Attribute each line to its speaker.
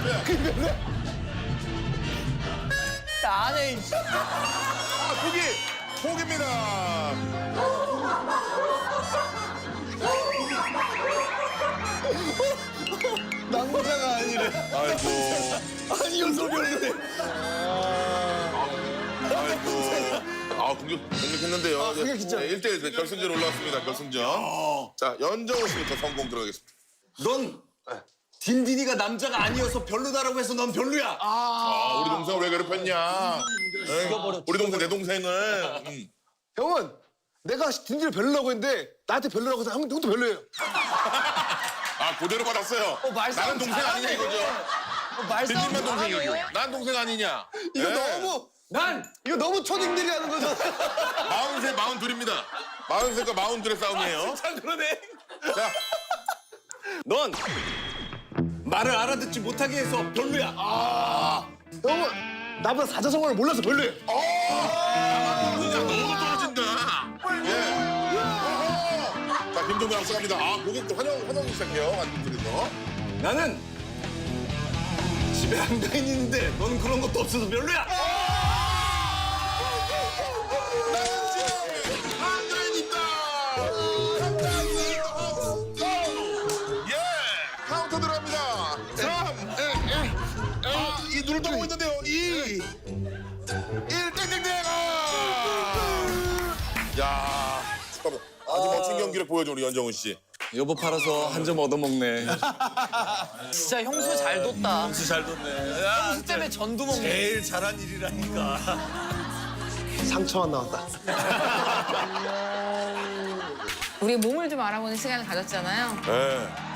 Speaker 1: 안 해.
Speaker 2: 포기입니다.
Speaker 3: 남자가 아니래.
Speaker 2: 아이고.
Speaker 3: 아니어서 별로래.
Speaker 2: 아이고. 공격했는데요.
Speaker 3: 공격했죠.
Speaker 2: 네, 1대1 결승전 올라왔습니다. 결승전. 자, 연정호 씨부터 성공 들어가겠습니다.
Speaker 3: 넌 딘딘이가 남자가 아니어서 별로다라고 해서 넌 별로야.
Speaker 2: 우리 동생을 왜 괴롭혔냐? 우리 동생 내 동생을.
Speaker 4: 형은 내가 딘딘을 별로라고 했는데 나한테 별로라고 해서 형도 별로예요.
Speaker 2: 그대로 받았어요.
Speaker 1: 말싸움
Speaker 2: 나는 동생 아니냐
Speaker 1: 잘하네.
Speaker 2: 이거죠.
Speaker 1: 말싸움
Speaker 2: 딘딘만 동생이고.
Speaker 1: 잘하네.
Speaker 2: 난 동생 아니냐.
Speaker 4: 이거
Speaker 2: 네.
Speaker 4: 이거 너무 초딩들이 하는 거잖아.
Speaker 2: 43, 42입니다. 43과 42의 싸움이에요.
Speaker 3: 참 그러네.
Speaker 2: 자,
Speaker 3: 넌 말을 알아듣지 못하게 해서 별로야.
Speaker 4: 형은 나보다 사자성어를 몰라서 별로예요.
Speaker 2: 너무 떨어진다. 예. 자, 김종국 앞서갑니다. 고객도 환영 시작해요. 안쪽에서.
Speaker 3: 나는 집에 한가인 있는데 너는 그런 것도 없어서 별로야.
Speaker 2: 한가인 있다. 예. 카운터 들어갑니다. 3. 이 눈을 떠보고 있는데요. 2. 1. 땡땡땡. 야. 잠깐만. 아주 멋진 경기를 보여줘 우리 연정훈 씨.
Speaker 3: 여보 팔아서 한 점 얻어먹네.
Speaker 1: 진짜 형수 잘 뒀다.
Speaker 3: 형수 잘 뒀네.
Speaker 1: 형수 때문에 전두 먹네.
Speaker 3: 제일 잘한 일이라니까.
Speaker 4: 상처만 나왔다.
Speaker 5: 우리 몸을 좀 알아보는 시간을 가졌잖아요.
Speaker 2: 네.